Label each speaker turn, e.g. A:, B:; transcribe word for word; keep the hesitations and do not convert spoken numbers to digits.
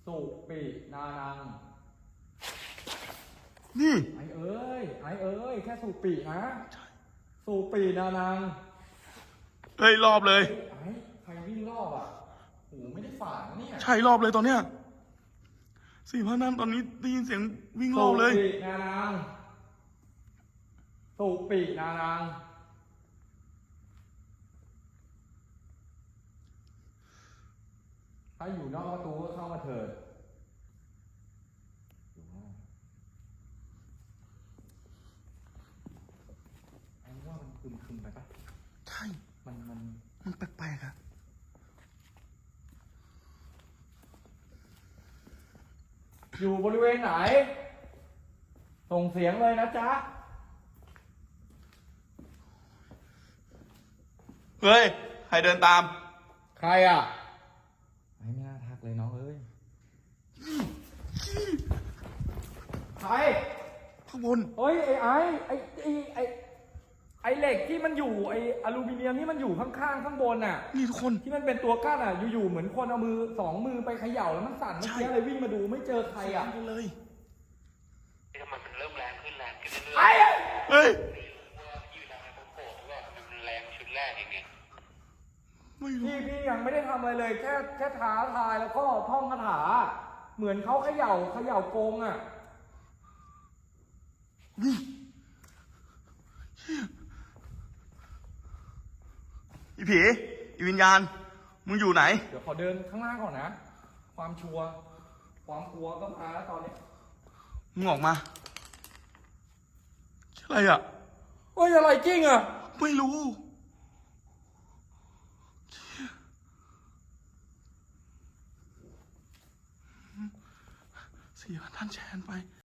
A: สุปินานัง
B: นี่
A: ไอเอ้ยไอเอ้ยแค่สุปินะสุปินานัง
B: เฮ้ยรอบเลย
A: ไอใครวิ่งรอบอ่ะโหไม่ได้ฝันเนี่ย
B: ใช่รอบเลยตอนเนี้ยสี่พันนั้นตอนนี้ได้ยินเสียงวิ่งรอบเลย
A: สุปินานังสุปินานังถ้าอยู่นอกประตูก็เข้ามาเถิดไอ้ว่ามันคึมคึมไปปะ
B: ใช่
A: มันมัน
B: มันแปลกๆอะ
A: อยู่บริเวณไหนส่งเสียงเลยนะจ๊ะ
B: เฮ้ยใครเดินตาม
A: ใครอ่ะไม่น่าทักเลยน้องเอ้ยใคร
B: ข้างบน
A: เฮ้ยไอ้ไอ้ไอ้ไอ้ไอ้ไอ้เหล็กที่มันอยู่ไอ้อลูมิเนียมที่มันอยู่ข้างๆข้างบนน่ะ
B: นี่ทุกคน
A: ที่มันเป็นตัวกั้นอ่ะอยู่ๆเหมือนคนเอามือสองมือไปเขย่าแล้วมันสั่นเมื่อกี้เลยวิ่งมาดูไม่เจอใครอ่ะ
B: เลย
C: ทำไมมันเริ่มแรงขึ้นแรงขึ้นเรื่อยๆ
A: ไอ้
B: เฮ้ย
C: ยืนทำให้ผมโกรธว่ามันแรงชุดแรกอย่างเงี้ย
B: ไม่รู้
A: พี่พี่ยังไม่ได้ทำอะไรเลยแค่แค่ท้าทายแล้วก็ท่องคาถาเหมือนเขาเขย่าเขย่าโกงอ่ะ
B: นี่อีผีอีวิญญาณมึงอยู่ไหน
A: เดี๋ยวขอเดินข้างล่างก่อนนะความชัวร์ความกลัวก็มาแล้วตอนนี้
B: มึงออกมาอะไรอ่ะ
A: เฮ้ยอะไรจริงอ่ะ
B: ไม่รู้สี่พันท่านแชร์ไป